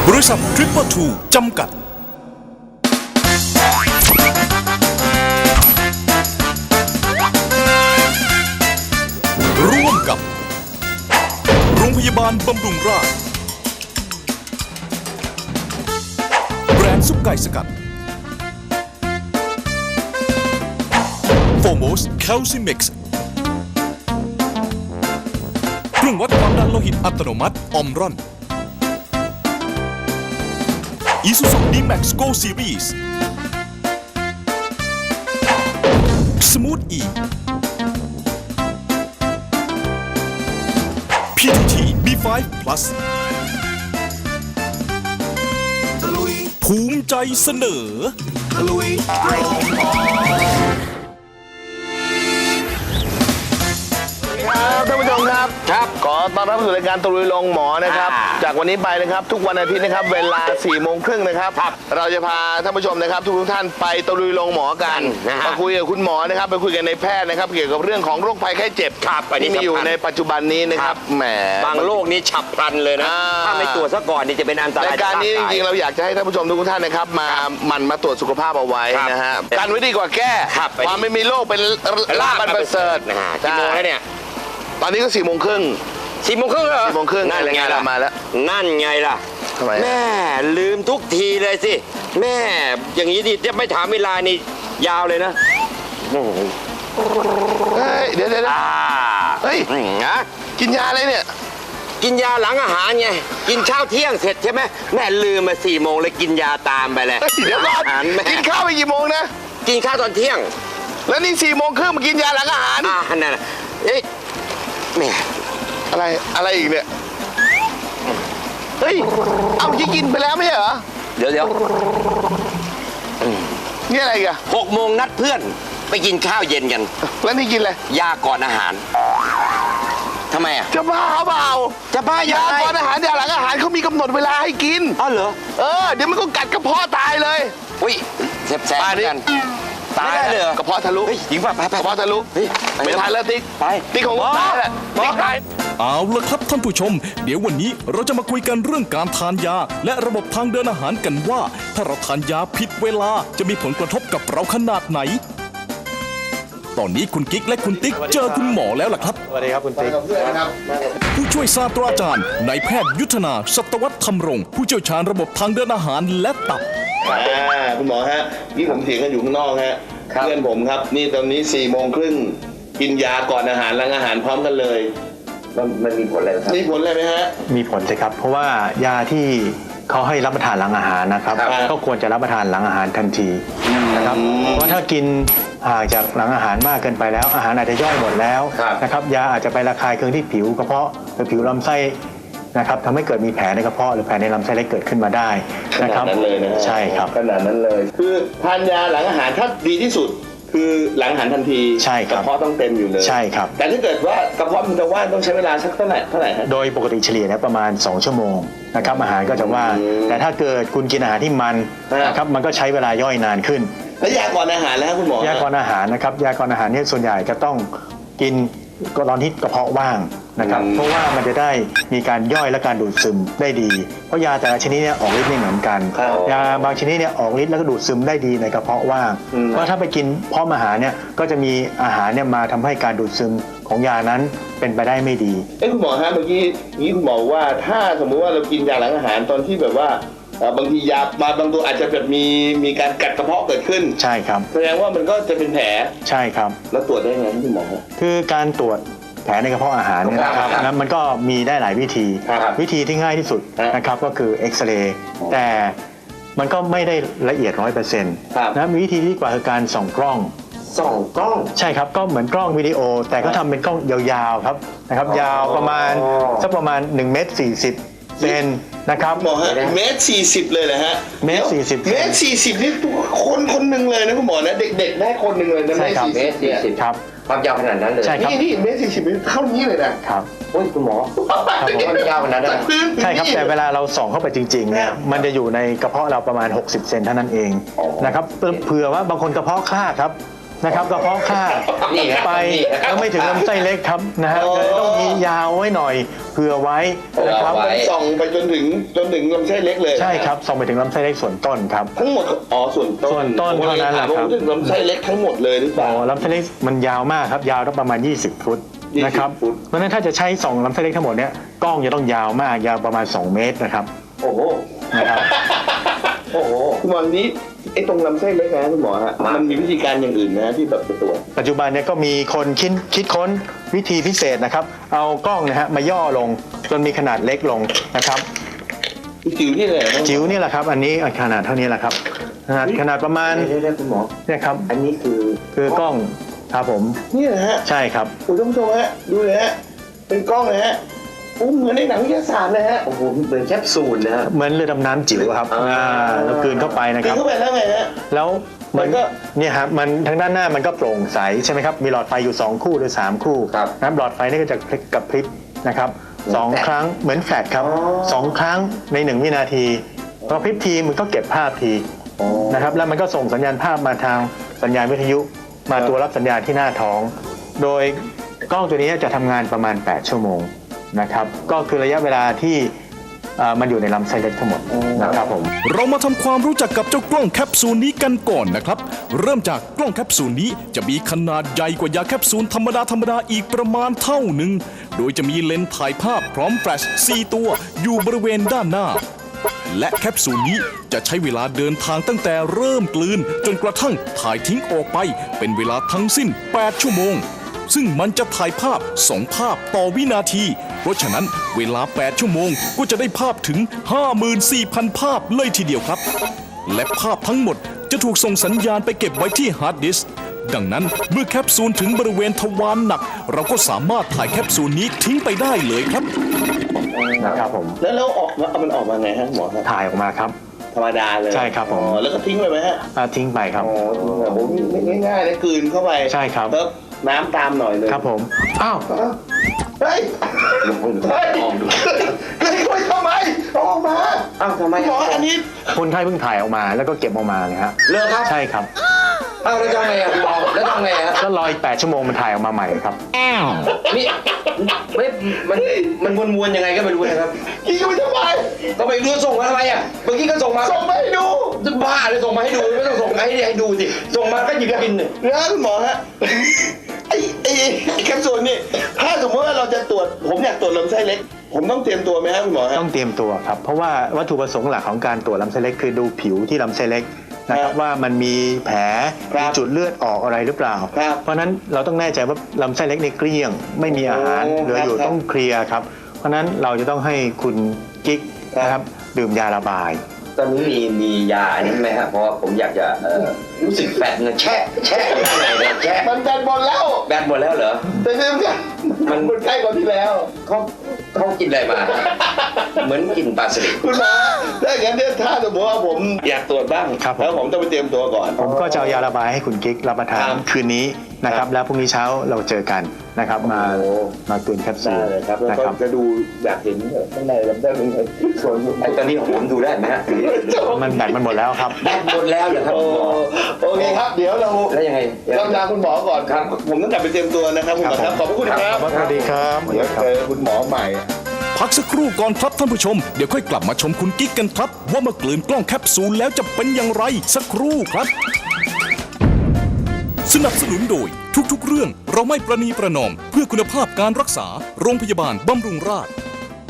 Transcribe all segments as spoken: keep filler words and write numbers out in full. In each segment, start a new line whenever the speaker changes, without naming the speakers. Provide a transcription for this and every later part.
บริษัททริปเปอร์ทูจำกัดร่วมกับโรงพยาบาลบำรุงราษฎร์แบรนด์ซุปไก่สกัดโฟโมสแคลซิมิกซ์เครื่องวัดความดันโลหิตอัตโนมัติออมรอนIsuzu D-Max Go Series Smooth E พี ที ที บี ไฟว์ Plus ภูมิใจเสนอ
ครับท่านผู้ชมครับครับขอต้อนรับสู่รายการตะลุยลงหมอนะครับจากวันนี้ไปนะครับทุกวันอาทิตย์นะครับเวลาสี่โมงครึ่งนะครับเราจะพาท่านผู้ชมนะครับทุกท่านไปตะลุยลงหมอกันมาคุยกับคุณหมอนะครับไปคุยกันในแพทย์นะครับเกี่ยวกับเรื่องของโรคภัยไข้เจ็บที่มีอยู่ในปัจจุบันนี้นะครับแหม
บางโรคนี้ฉับพลันเลยนะถ้าไม่ตรวจซะก่อนนี่จะเป็นอันตราย
รายการนี้จริงๆเราอยากจะให้ท่านผู้ชมทุกท่านนะครับมามันมาตรวจสุขภาพเอาไว้นะฮะการไว้ดีกว่าแก้ความไม่มีโรคเป็นลาภอันประเสริฐ
กี่โมงแล้วเนี่ย
ตอนนี้ก็สี่โมงครึ่ง
สี่โมงครึ่งเหรอ
สี่โมงครึ่งนั่นไงล่ะมาแล้ว
นั่นไงล่ะแม่ลืมทุกทีเลยสิแม่อย่างนี้ดิจะไม่ถามเวลานี่ยาวเลยนะ
เฮ้ยเดี๋ยวเดี๋ยวเฮ้ยนะกินยาอะไรเนี่ย
กินยาหลังอาหารไงกินเช้าเที่ยงเสร็จใช่ไหมแม่ลืมมาสี่โมงเลยกินยาตามไปเลย
เดี๋ยวก่อนกินข้าวไปกี่โมงนะ
กินข้าวตอนเที่ยง
แล้วนี่สี่โมงครึ่งมากินยาหลังอาหาร
อ่านั่นน่ะเอ๊ะแม่
อะไรอะไรอีกเนี่ยเฮ้ยเอาที่กินไปแล้วไม่เหรอ
เดี๋ยวเดี๋ยว
นี่อะไรกัน
หกโมงนัดเพื่อนไปกินข้าวเย็นกัน
แล้วนี่กินอะไร
ยาก่อนอาหารทำไมอ่ะ
จะบ้าเปล่า
จะบ้าย
าก่อนอาหารยาหลังอาหารเขามีกำหนดเวลาให้กิน
อ๋อเหรอ
เออเดี๋ยวมันก็กัดกระเพาะตายเลย
อุ้ยแสบๆกัน
ตายเลยกระเพาะทะลุ
หญิงป่ะไป
กระเพาะทะลุไม่ทันแล้วติ๊ก
ไป
ติ๊กของตายแหละติ๊กตาย
เอาละครับท่านผู้ชมเดี๋ยววันนี้เราจะมาคุยกันเรื่องการทานยาและระบบทางเดินอาหารกันว่าถ้าเราทานยาผิดเวลาจะมีผลกระทบกับเราขนาดไหนตอนนี้คุณกิ๊กและคุณติ๊กเจอคุณหมอแล้วล่ะครับ
สวัสดีครับคุณติ๊ก
ผู้ช่วยศาสตราจารย์นายแพทย์ยุทธนาสัตวัฒน์ธรรมรงค์ผู้เชี่ยวชาญระบบทางเดินอาหารและตับ
คุณหมอฮะนี่ผมเถียงกันอยู่ข้างนอกฮะเพื่อนผมครับนี่ตอนนี้สี่โมงครึ่งกินยาก่อนอาหารหลังอาหารพร้อมกันเลย
มันมีผลอะไรครับ
มีผลอะไรไหมฮะ
มีผลสิครับเพราะว่ายาที่เขาให้รับประทานหลังอาหารนะครับก็ควรจะรับประทานหลังอาหารทันทีนะครับเพราะถ้ากินห่างจากหลังอาหารมากเกินไปแล้วอาหารอาจจะย่อยหมดแล้วนะครับยาอาจจะไประคายเคืองที่ผิวกระเพาะหรือผิวลำไส้นะครับทำให้เกิดมีแผลในกระเพาะหรือแผลในลำไส้เล็กเกิดขึ้นมาได้นะครับ
ขนาดนั้นเลยนะ
ใช่ครับ
ขนาดนั้นเลยคือทานยาหลังอาหารถ้าดีที่สุดคือหลังอาหารทันที
ใช่ครับ
กระเพาะต้องเต็มอยู่เลย
ใช่ครับ
แต่ถ้าเกิดว่ากระเพาะมันจะว่างต้องใช้เวลาสักเท่าไหร่เท่าไหร่
โดยปกติเฉลี่ยนะประมาณสองชั่วโมงนะครับอาหารก็จะว่างแต่ถ้าเกิดคุณกินอาหารที่มันนะครับมันก็ใช้เวลาย่อยนานขึ้น
แล้วยาก่อนอาหารแล้วคุณหมอย
าก่อนอาหารนะครับยาก่อนอาหารเนี่ยส่วนใหญ่จะต้องกินตอนที่กระเพาะว่างนะครับเพราะว่ามันจะได้มีการย่อยและการดูดซึมได้ดีเพราะยาแต่ละชนิดเนี่ยออกฤทธิ์ไม่เหมือนกันยาบางชนิดเนี่ยออกฤทธิ์แล้วก็ดูดซึมได้ดีในกระเพาะว่างเพราะถ้าไปกินพร้อมอาหารเนี่ยก็จะมีอาหารเนี่ยมาทำให้การดูดซึมของยานั้นเป็นไปได้ไม่ดี
เอ้คุณหมอฮะเมื่อกี้นี้คุณหมอว่าถ้าสมมุติว่าเรากินยาหลังอาหารตอนที่แบบว่าบางทียามาบางตัวอาจจะแบบมีมีการกัดกระเพาะเกิดขึ้น
ใช่ครับ
แสดงว่ามันก็จะเป็นแผล
ใช่ครับ
แล้วตรวจได้ไงคุณหมอ
คือการตรวจแผลในกระเพาะอาหารเนี่ยนะครับนะมันก็มีได้หลายวิธีวิธีที่ง่ายที่สุดนะครับก็คือเอ็กซเรย์แต่มันก็ไม่ได้ละเอียดร้อยเปอร์เซ็นต์นะมีวิธีที่กว่าคือการส่องกล้อง
ส่องกล้อง
ใช่ครับก็เหมือนกล้องวิดีโอแต่ก็ทำเป็นกล้องยาวๆครับนะครับยาวประมาณสักประมาณหนึ่งเมตรสี่สิบเซนนะครับ
หมอฮะเมตรสี่สิบเลยเหรอฮะ
เมตรสี่สิบ
เมตรสี่สิบนี่คนคนหนึ่งเลยนะคุณหมอนะเด็กๆได้คนหนึ่งเลยนะ
เมตรสี่สิบครับ
ความยาวขนาดนั้นเลย
ใช่ครับ
นี่นี่เมตรสี่สิบเท่านี้เลยนะครับ
โอ้ยคุณหมอความยาวขนาดนั้น
ใช่ครับแต่เวลาเราส่องเข้าไปจริงๆเนี่ยมันจะอยู่ในกระเพาะเราประมาณหกสิบเซนเท่านั้นเองนะครับเผื่อว่าบางคนกระเพาะคลาดครับนะครับกระเพาะข้า
นี่ครับ
ไป
นี่ครับ
แล้วไม่ถึงลำไส้เล็กครับนะฮะ
อ๋อ
เลยต้องมียาวไว้หน่อยเผื่อไว้นะครับ
เอาไว้
ส่องไปจนถึงจนถึงลำไส้เล็กเลย
ใช่ครับส่งไปถึงลำไส้เล็กส่วนต้นครับ
ทั้งหมดอ๋อส่วนต้น
ส่วนต้นเท่านั้นแหละครับ
ผมถึงลำไส้เล็กทั้งหมดเลยหรือเป
อ๋
ล่า
อลำไส้เล็กมันยาวมากครับยาวต้องประมาณ ยี่สิบ ฟุต
ยี่สิบ
นะครับ
ฟุต
เพราะฉะนั้นถ้าจะใช้ส่องลำไส้เล็กทั้งหมดเนี้ยกล้องจะต้องยาวมากยาวประมาณ สอง เมตรนะครับ
โอ้โห
นะครับ
โอ้โหคุณหมอนี้ไอ้ตรงลำไส้เล็กนะคุณหมอฮะมันมีวิธีการอย่างอื่นนะที่แบบไปตรวจ
ปัจจุบันเนี่ยก็มีคนคิดคิดค้นวิธีพิเศษนะครับ เอากล้องนะฮะมาย่อลงจนมีขนาดเล็กลงนะครับ
จิ๋วนี่เลยนะ
จิ๋วนี่แหละครับ อันนี้ขนาดเท่านี้แหละครับขนาดขนาดประมาณ
เดี๋ยวๆคุณหมอ
เนี่ยครับ
อันนี้คือ
คือกล้องครับผม
นี่นะฮะ
ใช่ครับ
คุณผู้ชมฮะดูเลยฮะเป็นกล้องเลยฮะอุ้มเหมือนในหนังวิทยาศาสตร์เลยฮะโอ้โหเหมือนแคปซูลนะฮะ
เหมือนเรือดำน้ำจิ๋วครับ
อ่า
อ่าแล้วกลืนเข้าไปนะ
กิ
คน รับ
เข้าไปแล้วไงฮะ
แล้วมัน
มันก็
เนี่ยครับมันทางด้านหน้ามันก็โปร่งใสใช่ไหมครับมีหลอดไฟอยู่สองคู่หรือสามคู่
ครับ
นะครับหลอดไฟนี่ก็จะพลิกกับพริบนะครับสองครั้งเหมือนแฟลชครับ
อ๋อ
สองครั้งในหนึ่งวินาทีพอพริบทีมันก็เก็บภาพที
อ๋อ
นะครับแล้วมันก็ส่งสัญญาณภาพมาทางสัญญาณวิทยุมาตัวรับสัญญาณที่หน้าท้อง โดยกล้องตัวนี้จะทำงานประมาณ แปด ชั่วโมงนะครับก็คือระยะเวลาที่เอ่อมันอยู่ในลำไส้เล็กทั้งหมดนะครับผม
เรามาทำความรู้จักกับเจ้ากล้องแคปซูลนี้กันก่อนนะครับ เริ่มจากกล้องแคปซูลนี้จะมีขนาดใหญ่กว่ายาแคปซูลธรรมดาธรรมดาอีกประมาณเท่าหนึ่ง โดยจะมีเลนส์ถ่ายภาพพร้อมแฟลชสี่ตัวอยู่บริเวณด้านหน้า และแคปซูลนี้จะใช้เวลาเดินทางตั้งแต่เริ่มกลืนจนกระทั่งถ่ายทิ้งออกไปเป็นเวลาทั้งสิ้น แปด ชั่วโมง ซึ่งมันจะถ่ายภาพสองภาพต่อวินาที เพราะฉะนั้นเวลา แปด ชั่วโมงก็จะได้ภาพถึง ห้าหมื่นสี่พัน ภาพเลยทีเดียวครับ และภาพทั้งหมดจะถูกส่งสัญญาณไปเก็บไว้ที่ฮาร์ดดิสก์ ดังนั้นเมื่อแคปซูลถึงบริเวณทวารหนัก เราก็สามารถถ่ายแคปซูลนี้ทิ้งไปได้เลยครับ
นะครับผม
แล้วแล้วออกมาเอามันออกมาไงฮะหมอครับ
ถ่ายออกมาครับ
ธรรมดาเลย
ใช่ครับผม
อ๋อแล้วก็ทิ้งไปไหมฮะ
อ่าทิ้งไปครับ
อ๋อโอ้โหง่ายๆเลยกลืนเข้าไป
ใช่ครับ
แล้วน้ำตามหน่อยเลย
ครับผมอ้าว
เฮ้ยเฮ้ยเฮ้ยเข้าไปทำไมเอาออกมา
อ้าวทำไม
หมออันนี้
คนไข้เพิ่งถ่ายออกมาแล้วก็เก็บออกมาเลยฮะ
เลิกครับ
ใช่ครับ
อ้าวแล้วทำไงอ่ะคุณหมอแล้วทำไงอ่ะ
แล้วรออีกแปดชั่วโมงมันถ่ายออกมาใหม่ครับ
นี่ไม่มันมันวนๆยังไงก็ไม่รู้นะครับ
กินเข้าไปทำไม
ก็ไปดูส่งมาทำไมอ่ะเมื่อกี้ก็ส่งมา
ส่งมาให้ดู
จะบ้าเลยส่งมาให้ดูไม่ต้องส่งมาให้ให้ดูสิส่งมาก็หยิบกินเนี่ย
นะคุณหมอฮะไอ้ไอ้ไอ้แคปซูลนี่ถ้าสมมติว่าเราจะตรวจผมอยากตรวจลำไส้เล็ก ผมต้องเตรียมตัวไหมครับคุณหมอฮะ
ต้องเตรียมตัวครับ เพราะว่าวัตถุประสงค์หลักของการตรวจลำไส้เล็กคือดูผิวที่ลำไส้เล็กนะครับว่ามันมีแผล
ครับ
มีจุดเลือดออกอะไรหรือเปล่า
ครับ
เพราะฉะนั้นเราต้องแน่ใจว่าลำไส้เล็กในเกลี้ยง ไม่มีอาหาร
โอ้
เหลืออยู่
ครับ
ต้องเคลียร์ครับ เพราะฉะนั้นเราจะต้องให้คุณกิ๊ก
ครับ
นะครับดื่มยาระบาย
ตอนนี้มีมียาอันนี้ไหมฮะเพราะว่าผมอยากจะเอ่อรู้สึกแฟตเงินแช่แช่อยู่ข้างในเนี่ยแช่
มันแบนบอลแล้ว
แบตหมดแล้วเหรอ
แต่เรื่องเนี้ยมันมันใกล้กว่าที่แล้ว
เขาเขากินอะไรมา เหมือนกินปลาสลิด
คุณหมอถ้าอย่างนั้นเนี่ยถ้าสมมติว่าผมอยากตรวจบ้าง
ครับผม
แล้วผมต้องไปเตรียมตัวก่อน
ผมก็จะเอายาระบายให้คุณกิ๊กรับประทาน
ครับ
คืนนี้นะค
ครั
รับ
บ
แล้วพรุ่งนี้เช้าเราเจอกันนะครับมา
โอ้
มาตุนแคปซู
ได้
ล
เลยครับแล้ว
นะ
ก็
ครับ
จะดูอยากเห็นข้างในลำไส้เป็นไงส่วน
ไอ้ตอนนี้ของผมดูได้ไหมฮะ
มันแบตมันหมดแล้วครับ
แบตหมดแล้วเหรอครับ
โอ้
คุณหมอ
โอเคครับเดี๋ยวเรา
แล้วยังไง
เราลาคุณหมอก่อนครับ ผมต้องกลับไปเตรียมตัวนะครับคุณหมอครับขอบพระคุณครับ
สวัสดีครับ
เดี๋ยวเจอคุณหมอใหม่
พักสักครู่ก่อนครับท่านผู้ชม เดี๋ยวค่อยกลับมาชมคุณกิ๊กกันครับ ว่าเมื่อกลืนกล้องแคปซูลแล้วจะเป็นอย่างไรสักครู่ครับ สนับสนุนโดยทุกๆเรื่องเราไม่ประนีประนอม เพื่อคุณภาพการรักษาโรงพยาบาลบำรุงราษฎร์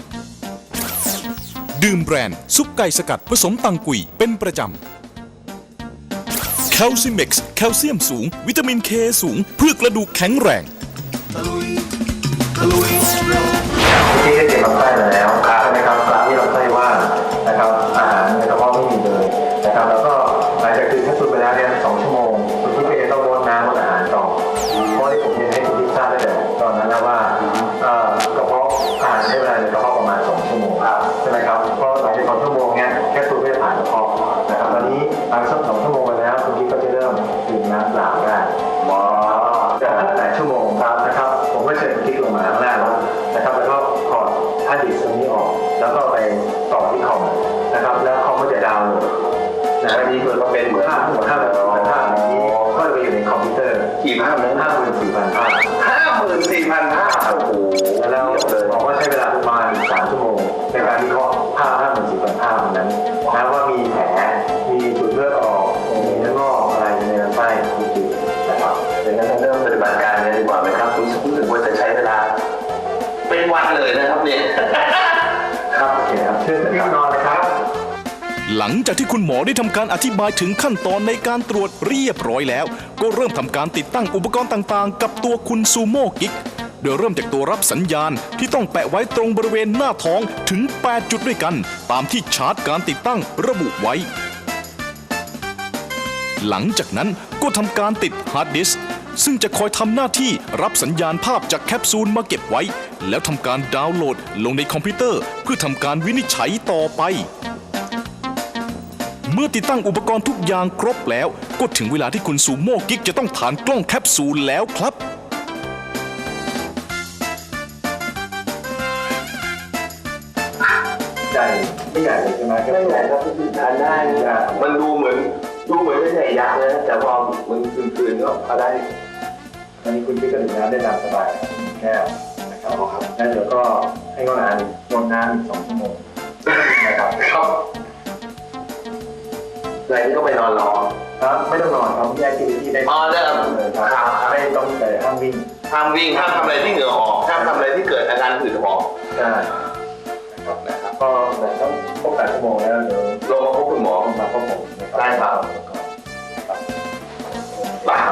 ดื่มแบรนด์ซุปไก่สกัดผสมตังกุยเป็นประจำแคลซิเม็กซ์แคลเซียมสูง วิตามินเคสูง เพื่อกระดูกแข็งแรง
ที่ได้เก็บลำไส้มาแล้วใช่ไหมครับตามที่ลำไส้ว่างนะครับอาหารในกระเพาะไม่มีเลยนะครับแล้วก็หลังจากดื่มแคปซูลไปแล้วเนี่ยสองชั่วโมงคุณพี่ก็จะต้องงดน้ำงดอาหารต่อเพราะที่ผมเรียนให้คุณพี่ทราบตั้งแต่ตอนนั้นแล้วว่าเอ่อกระเพาะอาหารใช้เวลาในกระเพาะประมาณสองชั่วโมงใช่ไหมครับเพราะหลังจากสองชั่วโมงเนี้ยแคปซูลก็จะผ่านกระเพาะนะครับตอนนี้หลังจากสองชั่วโมงไปแล้วคุณพี่ก็จะเริ่มดื่มน้ำเปล่าได้หมอจากแปดชั่วโมงครับนะครับผมก็เชิญคุณพี่ลงมาข้างล่างแล้วนะครับแล้วก็ถอดฮาร์ดดิสก์ตรงนี้ออกแล้วก็ไปต่อที่คอมนะครับแล้วคอมก็จะดาวน์โหลดนะอันนี้คือก็เป็นเหมือนภาพเหมือนภาพแบบเหมือนภาพอย่างนี้ก็จะไปอยู่ในคอมพิวเตอร์
กี่ภาพนะ
ห้าหมื่นสี่พันภาพ
ห้าหมื่นสี่พันภาพโอ้โห
แล้วบอกว่าใช้เวลาประมาณสามชั่วโมงในการวิเคราะห์ภาพห้าหมื่นสี่พันภาพนั้นนะว่ามีแผลมีจุดเลือดออกมีเนื้องอกอะไรในลำไส้จริงๆนะครับ
ดังนั้นเริ่มปฏิบัติการเลยดีกว่าไหมครับรู้สึกว่าจะใช้เวลาเป็นวันเลยนะครับเนี่ย
ครับโอเคครับเชิญที่นอนเลยครับ
หลังจากที่คุณหมอได้ทำการอธิบายถึงขั้นตอนในการตรวจเรียบร้อยแล้ว ก็เริ่มทำการติดตั้งอุปกรณ์ต่างๆ กับตัวคุณซูโม่กิ๊กโดยเริ่มจากตัวรับสัญญาณที่ต้องแปะไว้ตรงบริเวณหน้าท้องถึงแปดจุดด้วยกันตามที่ชาร์ตการติดตั้งระบุไว้ หลังจากนั้นก็ทำการติดฮาร์ดดิสก์ซึ่งจะคอยทำหน้าที่รับสัญญาณภาพจากแคปซูลมาเก็บไว้ แล้วทำการดาวน์โหลดลงในคอมพิวเตอร์เพื่อทำการวินิจฉัยต่อไป เมื่อติดตั้งอุปกรณ์ทุกอย่างครบแล้วก็ถึงเวลาที่คุณซูโม่กิ๊กจะต้องฐานกล้องแคปซูลแล้วครับ
ใหญ่ไม่ใหญ่เลยใช่ไหมไม่ใหญ่ครับที่ทานได้นะ
มันดูเหมือนดูเหมือนไม่ใช่ยักษ์นะแต่พอมันคืนๆก็พอได้
ตอนนี้คุณพี่ก็ดื่มน้ำได้ตามสบายแก้วนะครับครับแล้วเดี๋ยวก็ให้งดน้ำงดน้ำอีกสองชั่วโมงนะครับ
ครับอะไรนี่ก็ไปนอนรอ
ครับไม่ต้องนอนครับแยกที่ที่ได้
อ๋อได้ครับ
เลยครับไม่ต้องแต่ห้ามวิ่ง
ห้ามวิ่งห้ามทำอะไรที่เหงื่อออกห้ามทำอะไรที่เกิดอาการหืดหอบ
ใช่นะครับนะครับก็แต่ต้องครบแปดชั่วโมงแล้วเดี๋ยว
ลงมาพบคุณหมอ
มาพบผม
ได้ครับ บ้า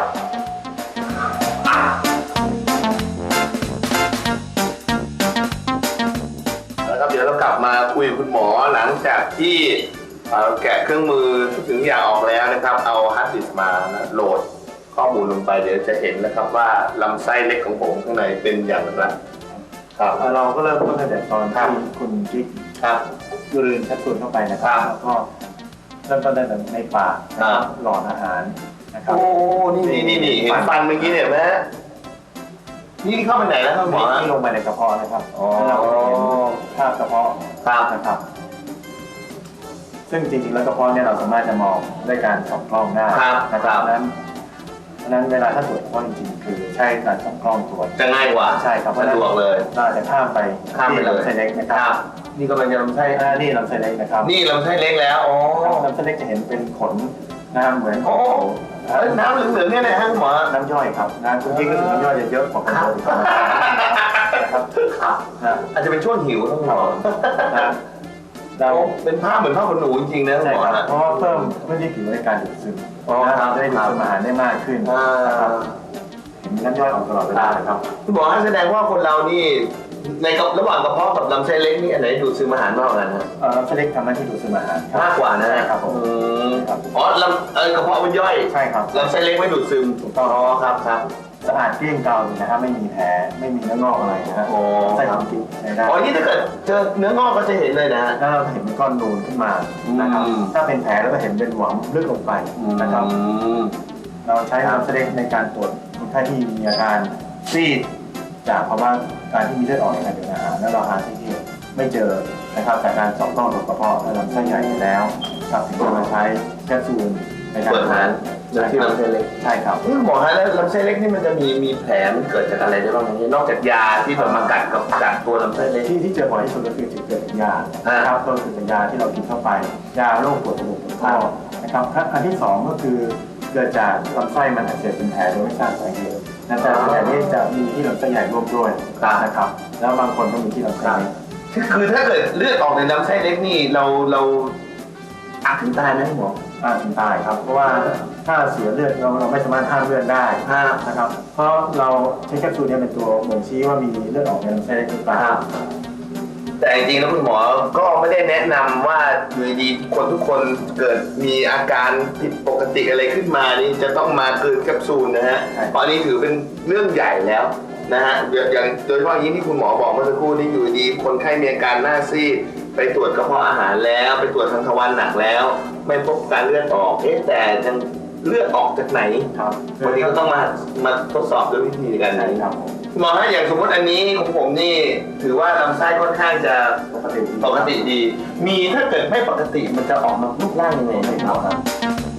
แล้วครับเดี๋ยวเรากลับมาคุยกับคุณหมอหลังจากที่เอ่อแกะเครื่องมือทุกสิ่งทุกอย่างออกแล้วนะครับ เอาฮาร์ดดิสก์มานะโหลดข้อมูลลงไปเดี๋ยวจะเห็นนะครับว่าลำไส้เล็กของผมข้างในเป็นอย่างไรครับ
เราก็เริ่มต้นตั้งแต่ตอนที่คุณกิ๊ก
ครับ
ยูรินแคปซูลเข้าไปนะครับแล้วก็เริ่มต้นตั้งแต่ในปากนะครับหลอดอาหารนะครับ
โอ้ นี่นี่นี่นี่เห็นฟันเมื่อกี้เนี่ยไหมนี่เข้าไปไหนแล้วครับหมอ
ที่ลงไปในกระเพาะนะครับ
อ๋อ
แล้วเราก็เห็นภาพกระเพาะ
ครับ
นะครับ ซึ่งจริงๆแล้วกระเพาะเนี่ยเราสามารถจะมองด้วยการส่องกล้องได้
ครับ
นะครับนั้นเพราะฉะนั้นเวลาถ้าตรวจกระเพาะจริงๆคือใช้การส่องกล้องตรวจ
จะง่ายกว่า
ใช่ครับ
สะดวกเลย
เราอาจจะข้ามไป
ข้ามไปเลย
ที่ลำไส้เล็กนะค
ค
รั
รับ บ นี่กำลังจะลำไส้
อ่านี่ลำไส้เล็กนะครับ
นี่ลำไส้เล็กแล้ว อ๋อ
ลำไส้เล็กจะเห็นเป็นขนน้ำเหมือน
โอ้เอ้ยน้ำเหลืองๆเนี่ยนะฮะคุณหมอ
น้ำย่อยครับน้ำคุณพี่ก็ถึงน้ำย่อยจะเยอะกว่าคนอื่นนะครับนะ
อาจจะเป็นช่วงหิวนะคุณหมอ
นะเรา
เป็นภาพเหมือนภาพขนหนูจริงๆนะคุณ
ใช่
หมอ
ครับ
ฮะ
เพราะว่าเพิ่มพื้นที่ผิวในการดูดซึม
อ๋อ
นะครับจะได้ดูดซึมอาหารได้มากขึ้น
อ่า
นะครับเห็นน้ำย่อยออกตลอดเวลานะครับ
คุณหมอฮะแสดงว่าคนเรานี่ในกับระหว่างกระเพาะกับลำไส้เล็กนี่อันไหนดูดซึมอาหารมากกว่ากันฮะ
เอ่อลำไส้เล็กทำหน้าที่ดูดซึมอาหารครับ
มากกว่านะ
ใช่ครับผม
อืม
ครับ
อ๋อลำเออกระเพาะมันย่อย
ใช่ครับ
ลำไส้เล็กไม่ดูดซึม
ถูกต้อง
อ๋อครับครับ
สะอาดเกลี้ยงเกลาเลยนะครับไม่มีแผลไม่มีเนื้องอกอะไรนะฮะ
อ๋อ
ไส้ของกิ๊กใช้ได้
อ๋อนี่ถ้าเกิดเจอเนื้องอกก็จะเห็นเลยนะฮะ
แล้วเราจะเห็นเป็นก้อนนูนขึ้นมานะครับ
อืม
ถ้าเป็นแผลแล้วก็เห็นเป็นหวังลึกลงไปนะครับ
อืม
เราใช้น้ำเสด็จในการตรวจคนไข้ที่มีอาการซีดจากภาวะการที่มีเลือดออกในการเดินอาหารแล้วเราหาที่ที่ไม่เจอนะครับจากการสอบต้องตรวจกระเพาะและลำไส้ใหญ่ไปแล้วครับถึงจะมาใช้แคปซูลในการ
เปิดอาหารโดยที่ลำไส้เล็ก
ใช่ครับ
นี่หมอฮะแล้วลำไส้เล็กนี่มันจะมีมีแผลมันเกิดจากอะไรได้บ้างไหมนอกจากยาที่แบบมากัดกับกัดตัวลำไส้เล็ก
ที่ที่เจอบ่อยที่สุดก็คือจุดเกิดจากยา
อ่า
นะครับก็คือเป็นยาที่เรากินเข้าไป ยาโรคปวดจมูกปวดคอนะครับอันที่สองก็คือเกิดจากลำไส้มันอักเสบเป็นแผลโดยไม่ทราบสาเหตุนั่นแต่ส่วนใหญ่นี่จะมีที่ลำไส้ใหญ่ร่วมด้วยนะครับแล้วบางคนก็มีที่ลำไส้เล็ก
คือถ้าเกิดเลือดออกในลำไส้เล็กนี่เราเราอาจถึงตายไหมหมอ
อาจถึงตายครับเพราะว่าถ้าเสียเลือดเราเราไม่สามารถห้ามเลือดได้
ห้าม
นะครับเพราะเราใช้แคปซูลเนี่ยเป็นตัวบ่งชี้ว่ามีเลือดออกในลำไส้เล็กหรือเปล่า
แต่จริงๆแล้วคุณหมอก็ไม่ได้แนะนำว่าอยู่ดีๆคนทุกคนเกิดมีอาการผิดปกติอะไรขึ้นมานี่จะต้องมากลืนแคปซูลนะฮะเพราะอันนี้ถือเป็นเรื่องใหญ่แล้วนะฮะอย่างโดยเฉพาะอย่างที่คุณหมอบอกเมื่อสักครู่นี้อยู่ดีคนไข้มีอาการหน้าซีดไปตรวจกระเพาะอาหารแล้วไปตรวจทางทวารหนักแล้ว ไม่พบการเลือดออกเอ๊ะแต่ยังเลือดออกจากไหน
ครับ
วันนี้ก็ต้องมามาทดสอบด้วยวิธีการ
ใช่
นี้
ครับผม
หมอฮะอย่างสมมติอันนี้ของผมนี่ถือว่าลำไส้ค่อนข้างจะ
ปกติ
ปกติดี มีถ้าเกิดไม่ปกติมันจะออกมารูปร่างยังไงไหมครับ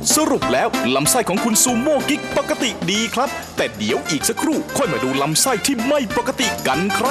สรุปแล้วลำไส้ของคุณซูโม่กิ๊กปกติดีครับ แต่เดี๋ยวอีกสักครู่ค่อยมาดูลำไส้ที่ไม่ปกติกันครับ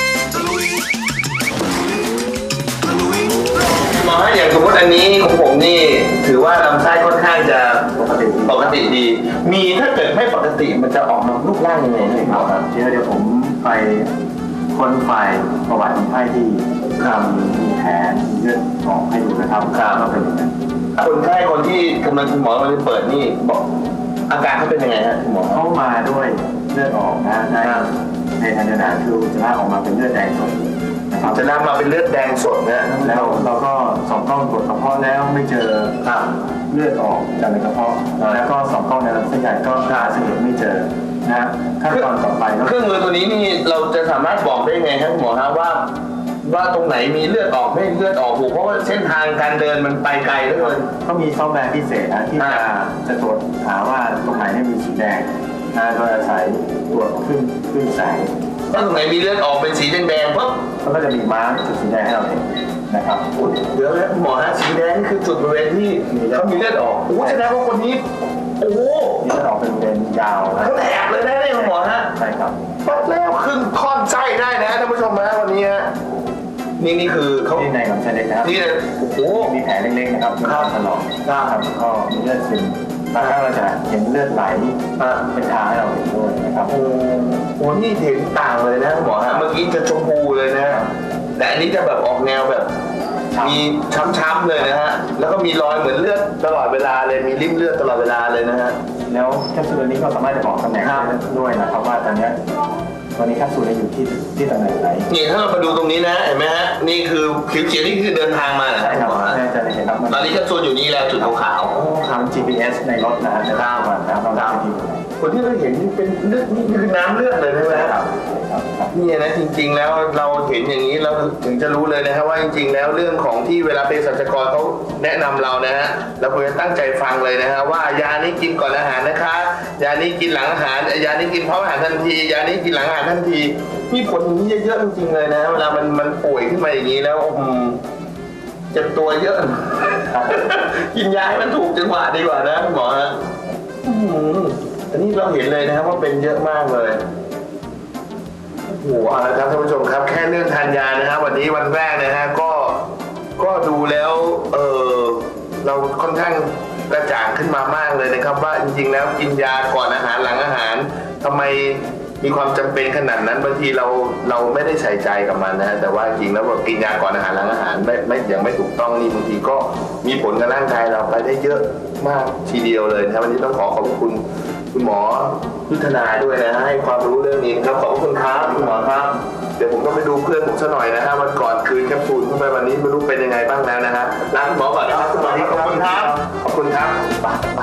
หมอฮะอย่างสมมติอันนี้ของผมนี่ถือว่าลำไส้ค่อนข้างจะปกติปกติดี มีถ้าเกิดไม่ปกติมันจะออกมารูปร่างยังไงครับ
เดี๋ยวเดี๋ยวผมไปค้นไฟล์ประวัติคนไข้ที่ทำมีแผลมีเลือดออกให้ดูนะครับก็เป็นอย่างนั้น
คนไข้คนที่กำลังคุณหมอกำลังเปิดนี่บอกอาการเขาเป็นยังไงฮะคุณหมอ
เข้ามาด้วยเลือดออกนะในในทางเดินอาหารคืออุจจาระออกมาเป็นเลือดแดงสดนะครับ
จะนำมาเป็นเลือดแดงสดนะ
แล้วเราก็ส่องกล้องตรวจกระเพาะแล้วไม่เจอเลือดออกจากในกระเพาะแล้วก็ส่องกล้องในลำไส้ใหญ่ก็หาสาเหตุไม่เจอนะขั้นตอนต่อไปก็
เครื่องมือตัวนี้นี่เราจะสามารถบอกได้ไงครับคุณหมอครับว่า ว่าตรงไหนมีเลือดออกไม่เลือดออกหูเพราะว่าเส้นทางการเดินมันไปไกลเหลือเกิน
ก็มีซอฟต์แวร์พิเศษนะที่จะจะตรวจหาว่าตรงไหนเนี่ยมีสีแดงนะโดยอาศัยตรวจขึ้นขึ้นแสง
ถ้าตรงไหนมีเลือดออกเป็นสีแดงๆปุ๊บ
แล้วก็จะมีมาร์กจุดสีแดงให้เราเห็นนะครับ
เดี๋ยวนะคุณหมอฮะสีแดงนี่คือจุดบริเวณที่เขามีเลือดออกโอ้แสดงว่าคนนี้โอ้โห
มีเลือดออกเป็นบริเวณยาวนะ
ทั้งแถบเลยนะเนี่ยคุณหมอฮะ
ใช่ครับ
ปัดแล้วครึ่งท่อนไส้ได้นะท่านผู้ชมนะวันนี้ฮะนี่นี่คือเขา
ที่ในลำไส้เล็กนะครับ
นี่เลยโอ้โห
มีแผลเล็กๆนะครับมีการถลอกครับก็มีเลือดซึมบางครั้งเราจะเห็นเลือดไหลเป็นทางให้เราเห็นด้วยนะครับ
โอ้โหนี่เห็นต่างเลยนะคุณหมอฮะเมื่อกี้จะชมพูเลยนะแต่อันนี้จะแบบออกแนวแบบ มีช้ำๆเลยนะฮะแล้วก็มีรอยเหมือนเลือดตลอดเวลาเลยมีริ่มเลือดตลอดเวลาเลยนะฮะ
แล้วแคปซูลนี้ก็สามารถจะบอกตำแหน่งได้ด้วยนะครับว่าตอนนี้ตอนนี้แคปซูลอยู่ที่ที่ตำแหน่งไหน
นี่ถ้าเรามาดูตรงนี้นะเห็นไหมฮะนี่คือผิวเขียวนี่คือเดินทางมาเหรอ
ใช่ครับ
ณหมอฮะ
น่าจะเห็นครับ
ตอนนี้แคปซูลอยู่นี่แล้วจุดขาว
ทำ จี พี เอส ในรถนะฮะจะทราบว่าน้ำเราจะอยู่ไหน
ๆคนที่เราเห็นนี่เป็นเลือดนี่คือน้ำเลือดเลยใช่ไหม
ครับ
นี่นะจริงๆแล้วเราเห็นอย่างนี้เราถึงจะรู้เลยนะครับว่าจริง ๆ แล้วเรื่องของที่เวลาเภสัชกรเขาแนะนำเรานะฮะเราควรจะตั้งใจฟังเลยนะฮะว่ายานี้กินก่อนอาหารนะคะยานี้กินหลังอาหารยานี้กินพร้อมอาหารทันทียานี้กินหลังอาหารทันทีมีผลอย่างนี้เยอะๆจริงๆเลยนะเวลามันมันป่วยขึ้นมาอย่างนี้แล้วอืมเจ็บตัวเยอะ กินยาให้มันถูกจังหวะดีกว่านะคุณหมอฮะอืมอันนี้เราเห็นเลยนะครับว่าเป็นเยอะมากเลย โอ้โหเอาละครับท่านผู้ชมครับแค่เรื่องทานยานะครับวันนี้วันแรกนะฮะก็ก็ดูแล้วเออเราค่อนข้างกระจ่างขึ้นมามากเลยนะครับ ว่าจริงๆแล้วกินยาก่อนอาหารหลังอาหารทำไมมีความจำเป็นขนาดนั้นบางทีเราเราไม่ได้ใส่ใจกับมันนะฮะแต่ว่าจริงแล้วเรากินยาก่อนอาหารหลังอาหารไม่ไม่อย่างไม่ถูกต้องนี่บางทีก็มีผลกับร่างกายเราไปได้เยอะมากทีเดียวเลยนะครับวันนี้ต้องขอขอบคุณคุณหมอยุทธนาด้วยนะให้ความรู้เรื่องนี้ครับขอบคุณครับคุณหมอครับเดี๋ยวผมก็ไปดูเพื่อนผมซะหน่อยนะฮะวันก่อนคืนแคปซูลเข้าไปวันนี้ไม่รู้เป็นยังไงบ้างแล้วนะฮะลาคุณหมอก่อนนะครับคุณหมอขอบคุณครับขอบคุณครับไปไป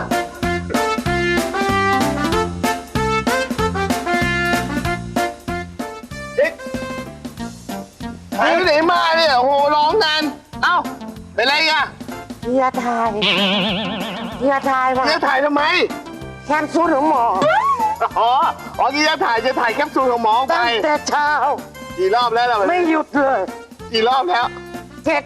หายไปไหนมาเนี่ยโอ้โหร้องนานเอ้าเป็นไรอ่ะ
เฮียทายเฮียทายว่า
จะถ่ายทำไม
แคมซูลของหมอ
อ๋อ อ๋อที่จะถ่ายจะถ่ายแคปซูลของหมอไป
ตั้งแต่เช้า
กี่รอบแล้วล่ะ
ไม่หยุดเลย
กี่รอบแล้ว
เจ็ด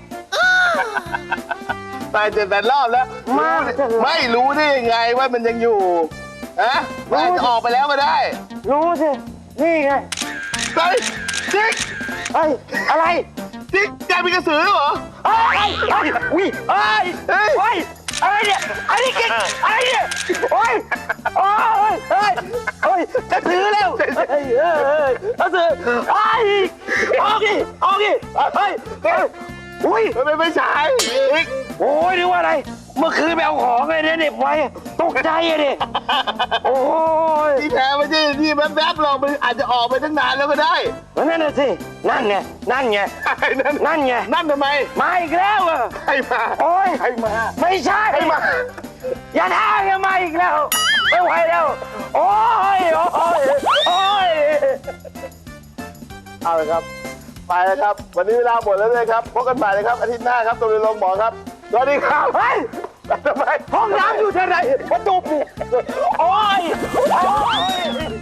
ตายเจ็ดแปดรอบแล้ว
มากจังเลย
ไม่รู้ได้ยังไงว่ามันยังอยู่ฮะมันอาจจะออกไปแล้วก็ได้
รู้สิ นี่ไง
เฮ้ยจิ๊ก
เอ้ย อะไร
จิ๊กแกเป็นกระสือเหรอ
เอ้ยเอ้ยอุ้ยเอ้ย
เฮ้ย
เอ้ยอะไรเนี่ยอะไรกินอะไรเนี่ยโอ้ยโอ้ยเอ้ยเอ้ยจะถือแล้วเอ้ยเอ้ยเอ้ยจะถือไอ้ยออกดิออกดิเฮ้ยเฮ้ยอุ้ย
มันไม่ไม่ใช่จิ๊ก
โอ้ยนึกว่าอะไร เมื่อคืนไปเอาของไงเนี่ยเหน็บไว้ตกใจอะดิโอ้ย
ที่แท้ไม่ใช่ที่แวบๆเรามันอาจจะออกไปตั้งนานแล้วก็ได้
นั่นน่ะสิ นั่นไง นั่นไง
ไอ้นั่น
นั่นไง
นั่นทำไม
มาอีกแล้วอะ
ใครมา
โอ้ย
ใครมา
ไม่ใช่
ใครมา
อย่าท้าอย่ามาอีกแล้ว ไม่ไหวแล้ว โอ้ย โอ้ย โอ้ย
เอาละครับ ไปแล้วครับ วันนี้เวลาหมดแล้วเลยครับพบกันใหม่เลยครับอาทิตย์หน้าครับตัวเรียนลงหมอครับสวัสดีครับ
เฮ้ย
ทำไม
ห้องน้ำอยู่ที่ไหนประตูปิดโอ้ย โอ้ย